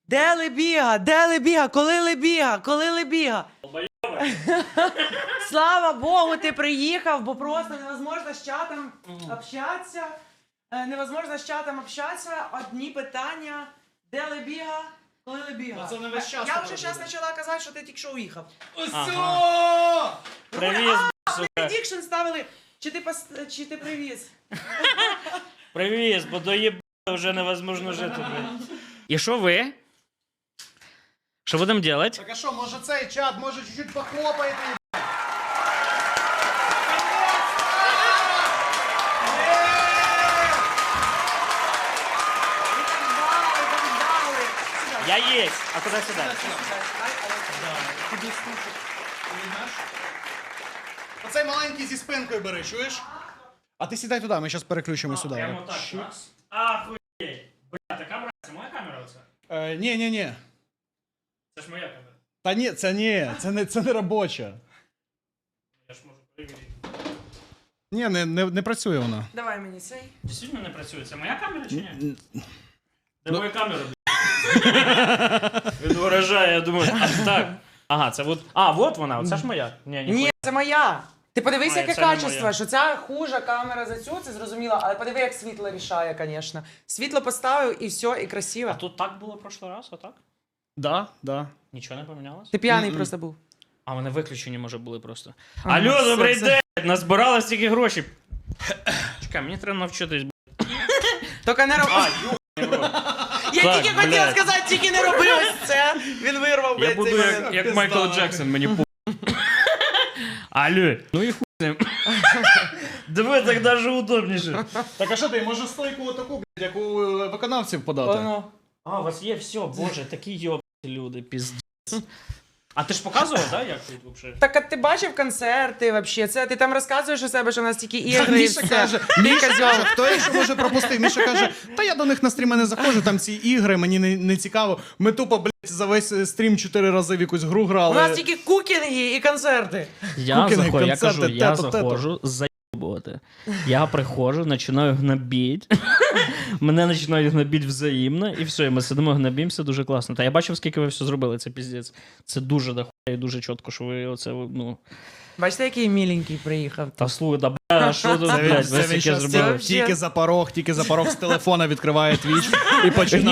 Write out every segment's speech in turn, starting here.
Де Лебіга? Де Лебіга? Коли Лебіга? Коли Лебіга? Слава Богу, ти приїхав, бо просто невозможно з чатом общатися. Невозможно з чатом общатися. Одні питання. Де Лебіга? Коли Лебіга? Це не весь час Я вже зараз почала казати, що ти тільки що уїхав. Усьо! Привіз, Предікшн ставили. Чи ти привіз? привіз, бо доїбали вже невозможно жити. блін. І що ви? Що будемо робити? Так а що, може цей чат, може чуть-чуть похлопаєте? Я єсть. А куди сюди? Оцей маленький зі спинкою бери, чуєш? А ти сідай туди, ми зараз переключимо сюди. Прямо так, так? Ахуєть. Бля, та камера, це моя камера оце? Ні. Це ж моя камера. Та ні, це не робоча. Я ж можу перевірити. Ні, не працює вона. Давай мені цей. Дійсно не працює. Це моя камера чи ні? Де моя камера, блядь? Він виражає, я думаю, а так. Ага, це от. А, от вона, оце ж моя. Ні, це моя. Ти подивись, А, яке це не качество, моя. що ця хужа камера за цю, це зрозуміло, але подиви, як світло рішає, звісно. Світло поставив і все, і красиво. А тут так було в прошлий раз, отак? Да. Нічого не помінялось? Ти п'яний просто був. А вони виключені, може, були просто. Ага, Алло, все, добрий все. день! Назбирали стільки грошей. Чекай, мені треба навчитись. Тільки не роби. Я Так, тільки хотів блядь. сказати, тільки не роби ось це. Він вирвав, Я блядь, буду цей як, момент. як Майкл Джексон, мені по. Алло, ну і хуй з ним. Диви, так даже удобніше. Так а що ти, може стойку отаку, блядь, як у виконавців подати? Воно. А, у вас є все, боже, такі йобані люди, піздець. А ти ж показував, да, як тут взагалі? Так а ти бачив концерти вообще? Це ти там розказуєш у себе, що у нас тільки ігри і Міша все. каже, Міша каже, хто ще може пропустив? Міша каже, та я до них на стріми не заходжу, там ці ігри, мені не цікаво. Ми тупо, блядь, за весь стрім 4 рази в якусь гру грали. У нас тільки кукінги і концерти. Я Кукіни, заходжу, я концерти, кажу, я тето-тето. заходжу, заєбувати. Я приходжу, починаю гнобіть. Мене починають гнобіть взаємно, і все, і ми сидимо, гнобімося, дуже класно. Та я бачив, скільки ви все зробили, це піздець. Це дуже дохуя і дуже чітко, що ви оце, ну... Бачите, який міленький приїхав. Та слухай, да бля, що тут, блядь, ви скільки щас зробили? тільки за порог з телефона відкриває Twitch і починає.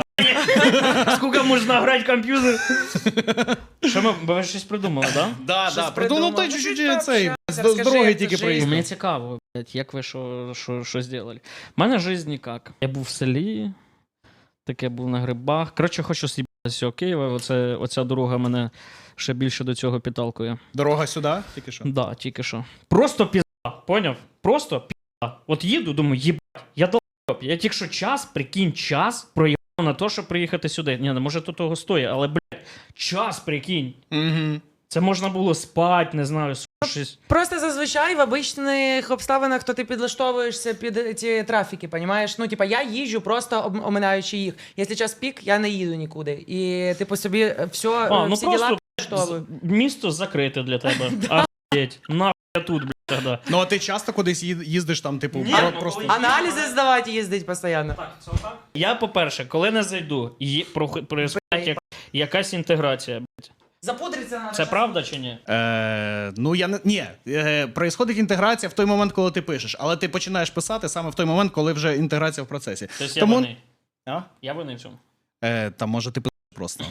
Скільки можна грати в комп'ютер? Що ми, ви щось придумали, да? Да, придумав. ну той Ну, чуть-чуть щось цей, пообщався, з розкажи, дороги як тільки це життя. приїхав. Мені цікаво, блядь, як ви що зробили. У мене життя ніяк. Я був в селі, таке був на грибах. Коротше, хочу з'їбатися з цього Києва. Оця дорога мене ще більше до цього підталкує. Дорога сюди, тільки що? Да, тільки що. Просто пізда, поняв? Просто пізда. От їду, думаю, їбать, я долб. Я тільки що прикинь, час проїбав на те, щоб приїхати сюди. Ні, може то того стоїть, але, блядь, час, прикинь. Угу. Це можна було спати, не знаю, щось. Просто зазвичай в обичних обставинах то ти підлаштовуєшся під ці трафіки, понімаєш? Ну, типа, я їжджу просто оминаючи їх. Якщо час пік, я не їду нікуди. І типу собі все, Ну всі діла просто підлаштовую. місто закрите для тебе. Ахуєть. Нахуй я тут, блядь, тоді. Ну а ти часто кудись їздиш там, типу, Ні, ну, просто... коли- Аналізи здавати їздить постійно. Так, це отак? Я, по-перше, коли не зайду, происходить якась інтеграція. блядь. Запудриться надо. Це правда чи ні? Ну, я не... Ні, происходить інтеграція в той момент, коли ти пишеш, але ти починаєш писати саме в той момент, коли вже інтеграція в процесі. Тобто Тому- я винний. А? Я винний в цьому. Та може ти писаєш просто.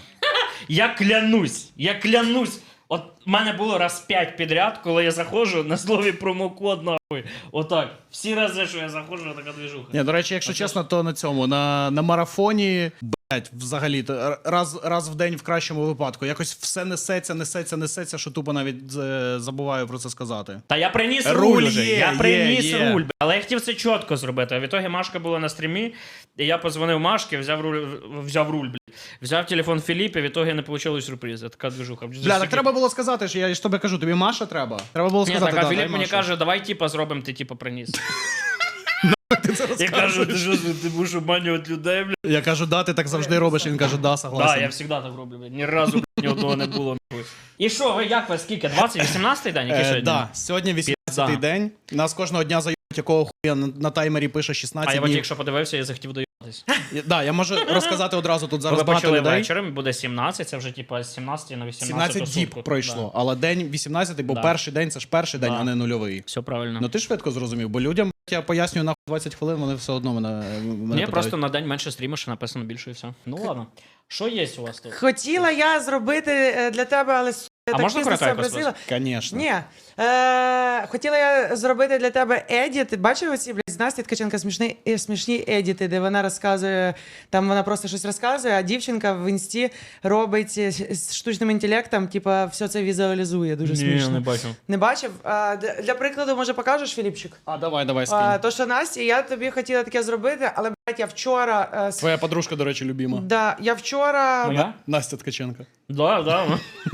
Я клянусь. От в мене було раз 5 підряд, коли я заходжу на слові промокод, нахуй. Отак. Всі рази, що я заходжу, така движуха. Ні, до речі, якщо чесно, то на цьому, на марафоні, блять, взагалі, то раз в день в кращому випадку. Якось все несеться, що тупо навіть забуваю про це сказати. Та я приніс Руль руль уже. є, Я приніс є. руль. Але я хотів це чітко зробити. А в ітогі Машка була на стрімі, і я позвонив Машки, взяв руль, блядь. Взяв телефон Філіпа, в ітогі не вийшло сюрпризу. Така движуха. Бля, так треба було сказати, що я ж тобі кажу, тобі Маша треба. Треба було Ні, сказати, так, а да, Філіп дай мені Машу. каже, давай типа зробимо, ти типа приніс. Ти це Я кажу, розказуєш. ти будеш обманювати людей, блядь. Я кажу, да, ти так завжди робиш, він каже, да, Да, согласен. я завжди так роблю, блядь. Ні разу, блядь, ні одного не було, нахуй. І що, ви як ви, скільки? 18-й день, який сьогодні? Да, сьогодні 18-й Пізда. день. Нас кожного дня зають, якого хуя на таймері пише 16 А я от днів. якщо подивився, я захотів доїбати. Да, я можу розказати одразу, тут зараз Ви багато почали людей. вечором, буде 17, це вже типа з 17 на 18 17 діб сутку. пройшло, Да. але день 18, бо Да. перший день це ж перший день, Да. а не нульовий. Все правильно. Ну ти швидко зрозумів, бо людям я пояснюю на 20 хвилин, вони все одно мене Ні, питають. просто на день менше стрімиш, написано більше і все. Ну ладно. Що є у вас тут? Хотіла я зробити для тебе, але я А так можна пізно це коротенько просила. Конечно. Ні. Хотіла я зробити для тебе едіт. Бачив оці, блядь, з Насті Ткаченка смішні едіти, де вона розказує, там вона просто щось розказує, а дівчинка в інсті робить з штучним інтелектом, типа, все це візуалізує. Дуже смішно. не бачу. Не бачив? Для прикладу, може, покажеш, Філіпчик? А давай, скинь. То, що Насті, я тобі хотіла таке зробити, але, блядь, я вчора... Твоя подружка, до речі, любима. Да, я вчора... Моя? Настя Ткаченка. Да.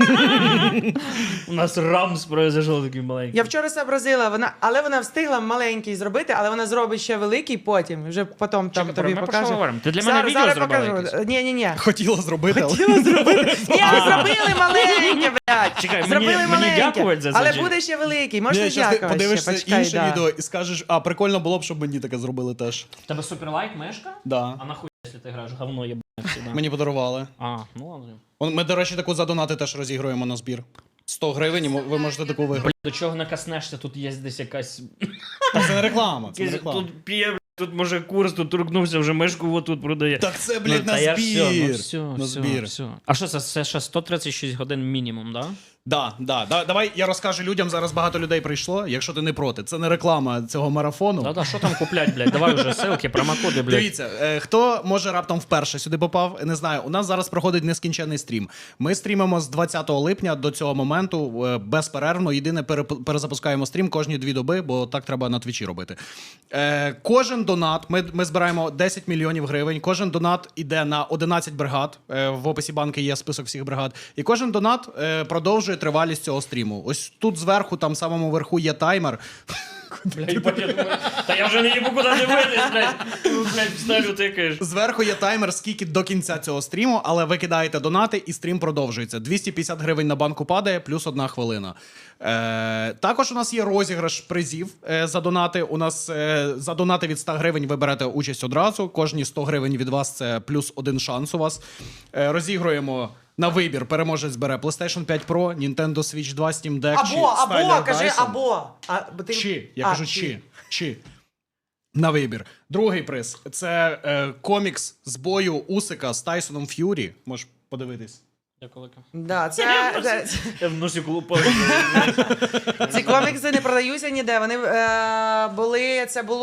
У нас рамс произошел такий маленький. Я вчора сообразила, але вона встигла маленький зробити, але вона зробить ще великий потім, вже потім там тобі ми про що покаже. говоримо? Ти для мене відео зараз зробила покажу. якесь? Ні. Хотіла зробити, але... Ні, зробили маленьке, блядь. Чекай, Зробили мені маленьке. дякувати за це, Але чи- буде ще великий, можна Ні, щас ти дякувати подивишся ще, почекай, інше да. відео і скажеш, а прикольно було б, щоб мені таке зробили теж. В тебе суперлайт мешка? Да. А нахуй, якщо ти граєш говно єбане всегда. Мені подарували. А, ну ладно. Ми, до речі, таку за донати теж розігруємо на збір. 100 гривень, і ви можете таку виграти. Бля, до чого накоснешся, тут є десь якась... Так це не реклама, це не реклама. Тут п'є, бля, тут може курс, тут торкнувся, вже мешку отут продає. Так це, блядь, на та я збір. Все, На збір. все. А що це ще 136 годин мінімум, да? Да. Давай я розкажу людям, зараз багато людей прийшло, якщо ти не проти. Це не реклама цього марафону. Да, що там куплять, блядь? Давай вже ссылки, промокоди, блядь. Дивіться, хто може раптом вперше сюди попав, не знаю. У нас зараз проходить нескінченний стрім. Ми стрімимо з 20 липня до цього моменту безперервно. Єдине, перезапускаємо стрім кожні 2 доби, бо так треба на твічі робити. Кожен донат, ми збираємо 10 мільйонів гривень. Кожен донат іде на 11 бригад. В описі банки є список всіх бригад. І кожен донат продовжує тривалість цього стріму. Ось тут зверху, там самому верху є таймер. Блядь, я думаю, та я вже не їбу куди дивитись, блядь. Блядь, всталю тикаєш. Зверху є таймер, скільки до кінця цього стріму, але ви кидаєте донати і стрім продовжується. 250 гривень на банку падає, плюс 1 хвилина. Також у нас є розіграш призів за донати. У нас за донати від 100 гривень ви берете участь одразу. Кожні 100 гривень від вас це плюс 1 шанс у вас. Розігруємо на вибір. Переможець бере PlayStation 5 Pro, Nintendo Switch 2, Steam Deck чи Або, Styler кажи Dyson. або. Я кажу чи. На вибір. Другий приз – це комікс з бою Усика з Тайсоном Ф'юрі. Можеш подивитись. Дякую. Да, Я в носі колупав. ці комікси не продаються ніде. Вони були,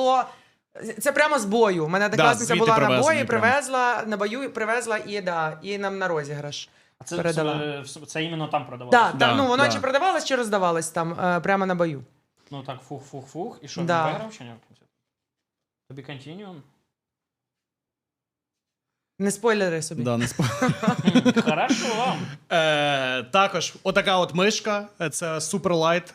це прямо з бою. У мене однокласниця звідти була на привезені бої, прямо. привезла, на бою привезла і нам на розіграш. А передала. це іменно там продавалося? Так, Да, ну воно да. чи продавалось, чи роздавалось там прямо на бою. Ну так, фух. І що, Да. він виграв чи ні? Тобі континуум? Не спойлери собі. Да, не Хорошо. також отака от мишка. Це Суперлайт.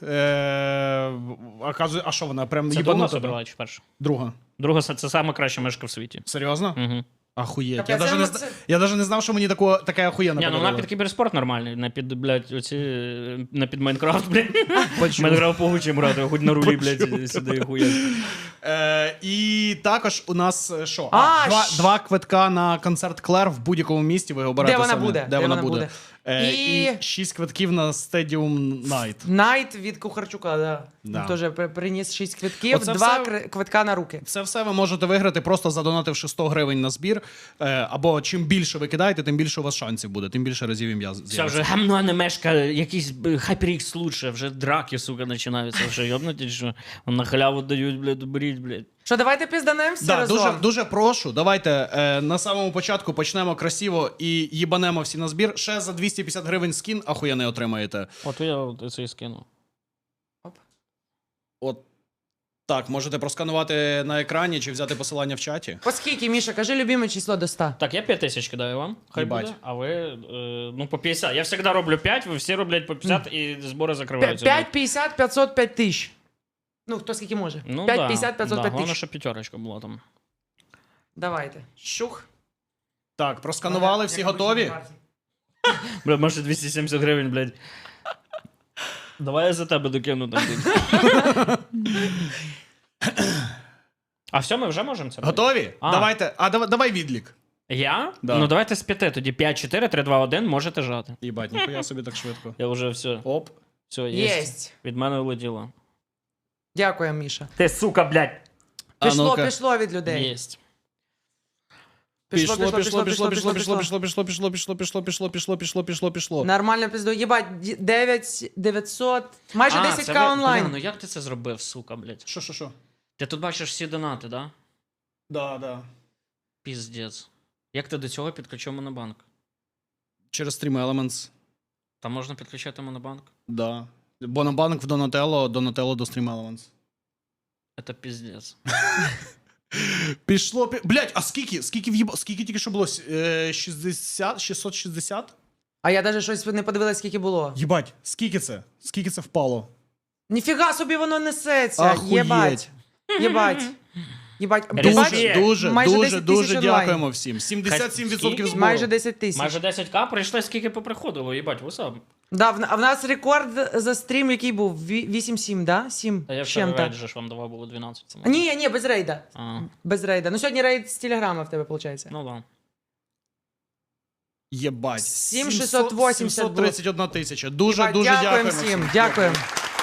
А що вона? Прям Це друга їбанута. собрала чи перша? Друга. Друга це сама краща мишка в світі. Серйозно? Угу. Ахуєть. Капець, я даже не знав, що мені така охуєнна Ні, ну подарували. вона під кіберспорт нормальний, на під, блядь, оці, на під Майнкрафт, блядь. Почув. Майнкрафт погучим грати, хоч на рулі, блядь, сюди хуєш. І також у нас що? А, Два квитка на концерт Клер в будь-якому місті. Ви обираєте Де вона самі, буде? Де вона буде. І І 6 квитків на Stadium Night. Найт від Кухарчука, да. Да. Теж приніс 6 квитків, Оце 2 все- квитка на руки. Це все ви можете виграти, просто задонативши 100 гривень на збір. Або чим більше ви кидаєте, тим більше у вас шансів буде, тим більше разів ім'я Все, з'явиться. вже гамно не мешка, якийсь HyperX лучше, вже драки, сука, починаються, вже йобнуті, що на халяву дають, блядь, беріть, блядь. Що, давайте пізданемо всі Да, разом? дуже прошу. Давайте на самому початку почнемо красиво і їбанемо всі на збір. Ще за 250 гривень скін ахуєнний отримаєте. От я це і скину. От так, можете просканувати на екрані чи взяти посилання в чаті. По скільки, Міша, кажи любиме число до 100. Так, я 5000 кидаю вам, хай Їбать. буде, а ви, ну, по 50. Я завжди роблю 5, ви всі роблять по 50 і збори закриваються. 5, 50, 500, 5 тисяч. Ну, хто скільки може. Ну, 5, да, 50, 500, да, 5 головне, тисяч. щоб п'ятерочка була там. Давайте. Щух. Так, просканували, всі готові? Бля, може 270 гривень, блядь. Давай я за тебе докину там. А все, ми вже можемо це робити? Готові? А. Давайте. Давай відлік. Я? Да. Ну давайте з 5, тоді 5, 4, 3, 2, 1, можете жати. Їбать, ніхуя собі так швидко. Я вже все. Оп. Все, є. Єсть. Від мене улетіло. Дякую, Міша. Ти, сука, блядь. Пішло, ну-ка. пішло від людей. Єсть. Пішло. Нормально пізду. Єбать, 900, майже 10к онлайн. Ну як ти це зробив, сука, блядь? Що? Ти тут бачиш всі донати, да? Да. Піздець. Як ти до цього підключив монобанк? Через Stream Elements. Там можна підключати монобанк? Да. Бонобанк в Donatello, Donatello до Stream Elements. Це піздець. Пішло. Блять, а скільки тільки що було? 660? А я навіть щось не подивилась, скільки було. Єбать, скільки це? Скільки це впало? Ніфіга собі воно несеться. Ахуєть. Єбать. Єбать. Респект. Майже 10 Дуже тисяч онлайн. дякуємо всім. 77% Скільки? збору. Майже 10 тисяч. Майже 10к прийшли, скільки поприходило, їбать, вусап. Да, а в нас рекорд за стрім, який був 8-7, да? 7 Та я з вчора чим-то. рейд же ж вам давав було 12. Це Ні, без рейда. А, Без рейда. Ну сьогодні рейд з телеграма в тебе, виходить. ну да. Єбать. 7680 було. 731 тисяча. Дуже Дякуємо дякуємо всім. Дякуємо.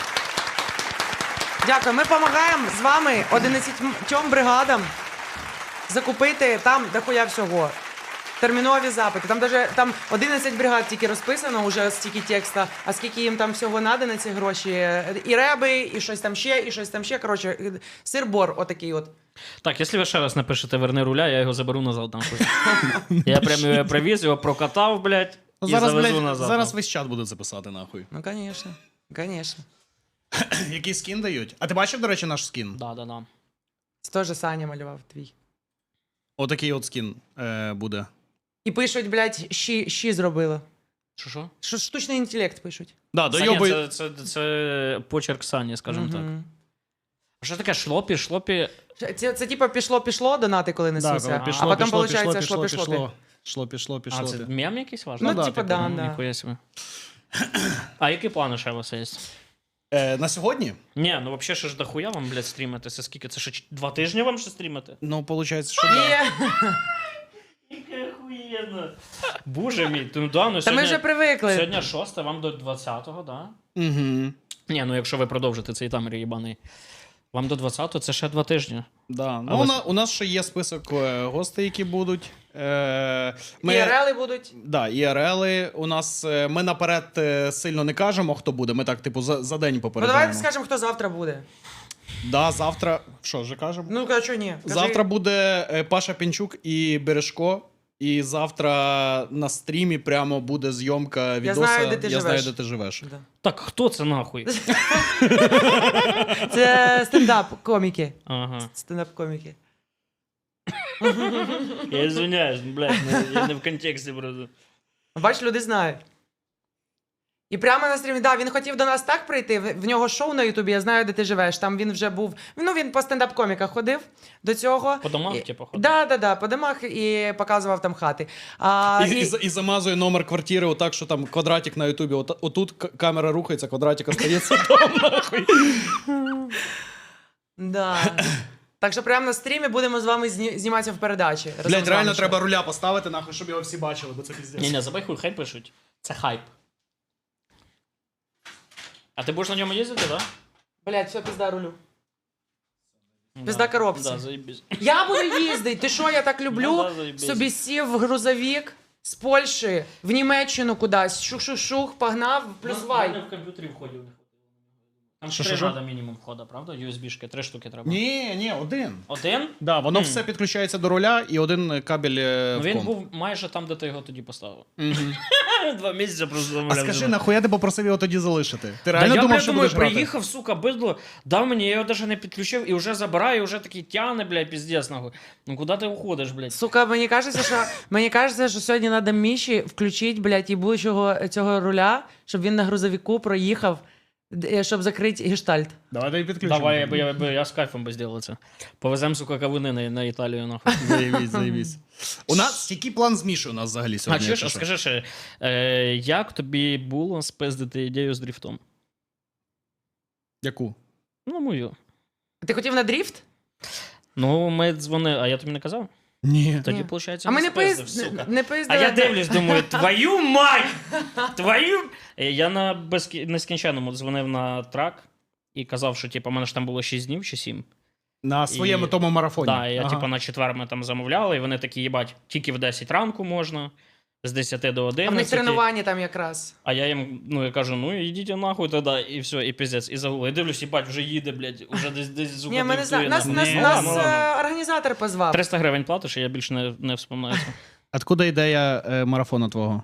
Дякую. Ми допомагаємо з вами 11 бригадам закупити там дохуя всього. Термінові запити. Там 11 бригад тільки розписано, уже стільки текста, а скільки їм там всього надо на ці гроші. І реби, і щось там ще, і щось там ще. Коротше, сир-бор отакий от. Так, якщо ви ще раз напишете «Верни руля», я його заберу назад. Там. Я прямо його привіз, його прокатав, блядь, і Зараз, завезу блядь, назад. зараз весь чат буде це писати, нахуй. Ну, звісно. Звісно. Який скін дають? А ти бачив, до речі, наш скін? Да. Це теж Саня малював твій. Отакий от скін буде. І пишуть, блядь, щі зробили. Що? Що штучний інтелект пишуть. Да, Саня, дойобуй. це почерк Сані, скажімо так. Мгм. Що таке шлопі? Це типа пішло донати, коли несуться. Да, а потім виходить шлопі. Шло. А, це мем якийсь важливий? Ну, да, типа, типу, да, Ну, да. ніхуя собі. А які плани ще у вас є? На сьогодні? Ні, ну взагалі ще ж дохуя вам, блядь, стрімити. Це скільки? Це ще 2 тижні вам ще стрімити? Ну, виходить, що да. Є. Яке охуєнно. Боже мій, ну да, ну Та ми вже привикли. Сьогодні 6, вам до 20-го, да? Угу. Ні, ну якщо ви продовжите цей тамер їбаний. Вам до 20-го це ще 2 тижні. Да. Ну, Але- у нас ще є список гостей, які будуть. Ми... ІРЛи будуть. Да, ІРЛи. У нас ми наперед сильно не кажемо, хто буде. Ми так, типу, за день Ну попереджаємо. давайте скажемо, хто завтра буде. Да, завтра. Що вже кажемо? Ну, кажу, що ні. Кажи. Завтра буде Паша Пінчук і Бережко. І завтра на стрімі прямо буде зйомка відоса. знаю, де ти Я живеш. знаю, де ти живеш. Да. Так, хто це нахуй? Це стендап-коміки. Ага. Стендап-коміки. Я извиняюсь, блядь, я не в контексті просто. Бач, люди знають. І прямо на стрімі, да, він хотів до нас так прийти. В нього шоу на Ютубі, я знаю, де ти живеш. Там він вже був. Ну, він по стендап-коміках ходив до цього. По домах, типу, ходив? Да, по домах і показував там хати. І замазує номер квартири отак, що там квадратик на Ютубі. Отут камера рухається, квадратик остається там, нахуй. Да. Так що прямо на стрімі будемо з вами зніматися в передачі. разом з Блять, вами реально ще. треба руля поставити, нахуй, щоб його всі бачили, бо це піздець. Ні, забай хуй, хай пишуть. Це хайп. А ти будеш на ньому їздити, так? Блять, все, пізда рулю. Да? Пизда коробці. Да, заєбісь. Я буду їздити. Ти що, я так люблю? Ну да, заєбісь. Собі сів в грузовик з Польщі в Німеччину кудись. Шух-шух-шух, погнав, плюс вай. в комп'ютері входів не хватило. Там Що, 3 що? треба мінімум входа, правда? USB-шки, 3 штуки треба. Ні, один. Один? Да, воно все підключається до руля і один кабель Ну в він комп. був майже там, де ти його тоді поставив. Мгм. 2 місяці просто А замовляв. скажи, нахуя ти попросив його тоді залишити? Ти Да реально я, думав, блядь, що думаю, будеш грати? приїхав, сука, бидло, дав мені, я його навіть не підключив і вже забираю, і вже такий тяне, блядь, піздець, нахуй. Ну куди ти уходиш, блядь? Сука, мені кажеться, що сьогодні треба Міші включити, блядь, їбучого цього руля, щоб він на грузовику проїхав, щоб закрити гештальт. Давай дай підключимо. Давай, я з кайфом би зробив це. Повеземо, сука, кавуни на Італію, нахуй. Заєбісь. У нас, який план з Мішою у нас взагалі А сьогодні? чуєш, якщо що? скажи ще, як тобі було спиздити ідею з дріфтом? Яку? Ну, мою. Ти хотів на дріфт? Ну, ми дзвонили, а я тобі не казав? Ні. Тоді, Ні. виходить, А ми не спиздив, сука. А пиздили. я дивлюсь, думаю, твою мать! Твою... Я на нескінченному дзвонив на трак і казав, що типу, у мене ж там було 6 днів чи 7. На своєму І- тому марафоні. Так, я Ага. типу на четвер ми там замовляли, і вони такі, їбать, тільки в 10 ранку можна, з 10 до 11. А в них тренування там якраз. А я їм, я кажу, ідіть нахуй тоді, і все, і піздець, і загули. І дивлюсь, їбать, вже їде, блядь, уже десь звука Ні, ми не знаємо. Нас, Ні. нас Ну, ладно. організатор позвав. 300 гривень платиш, і я більше не вспоминаю це. Откуда ідея марафону твого?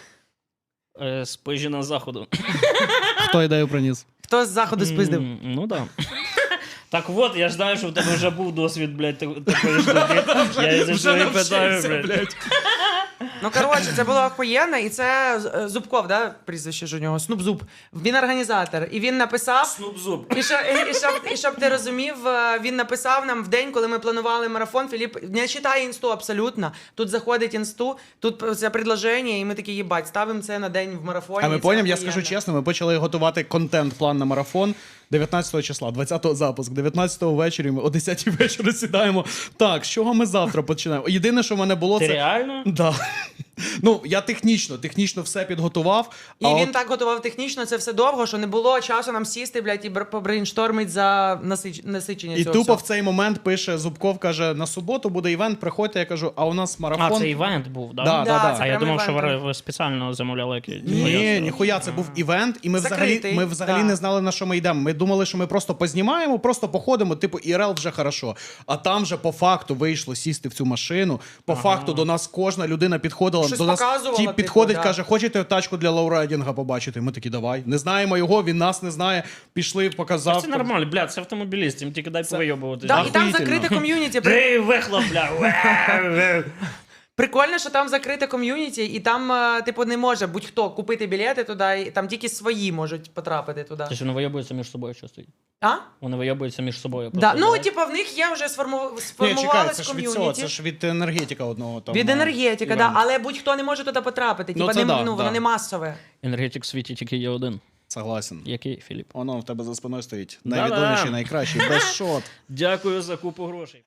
З Пижіна заходу. Хто ідею приніс? Хто з заходу спиздив? Ну так. Так от, я ж знаю, що в тебе вже був досвід, блядь, такої штуки. Я і за що і питаю, блядь. Ну, коротше, це було охуєнно, і це Зубков, да, прізвище ж у нього, Снуп-Зуб. Він організатор, і він написав, Снуп-зуб. і щоб ти розумів, він написав нам в день, коли ми планували марафон, Філіп не читає інсту абсолютно, тут заходить інсту, тут це предложення, і ми такі, їбать, ставимо це на день в марафоні. А ми і це поняв, я охуєнно. скажу чесно, ми почали готувати контент-план на марафон 19 числа, 20-го запуск, 19-го ввечері, ми о 10-й вечора сідаємо. Так, з чого ми завтра починаємо? Єдине, що в мене було, Ти це... реально? Да. Ну, я технічно все підготував. І а він от... так готував технічно це все довго, що не було часу нам сісти, блядь, і побрейнштормить за насичення І цього тупо всього. в цей момент пише Зубков, каже, на суботу буде івент, приходьте, я кажу, а у нас марафон. А, це івент був, да? Да, да. це А я прям думав, що івент. ви спеціально замовляли якісь. Ні, ніхуя, це був івент, і ми Закритий, взагалі да. не знали, на що ми йдемо. Ми думали, що ми просто познімаємо, просто походимо, типу, ІРЛ вже хорошо. А там вже по факту вийшло сісти в цю машину. По факту до нас кожна людина підходила, Щось до нас показувала, тіп типу, підходить, да. каже, хочете тачку для лоурайдінга побачити? Ми такі, давай. Не знаємо його, він нас не знає. Пішли, показав. Це нормально, бля, це автомобіліст, їм тільки дай повийобувати. Да, і там Охуїтельно. закрите ком'юніті. Ей, вихлоп, бля. Прикольно, що там закрите ком'юніті, і там, типу, не може будь-хто купити білети туди, і там тільки свої можуть потрапити туди. Тобто вони вийобуються між собою часто. А? Вони вийобуються між собою. Да. просто, Ну, да? типу, в них є вже Ні, чекай, сформувалось це ж від цього, ком'юніті. це ж від енергетика одного там. Від енергетика, івент. да, але будь-хто не може туди потрапити. Ну, Типа, це да, воно да. не масове. Енергетик в світі тільки є один. Согласен. Який, Філіп? Воно в тебе за спиною стоїть. Да-да. Найвідоміший, найкращий, без шот. Дякую за купу грошей.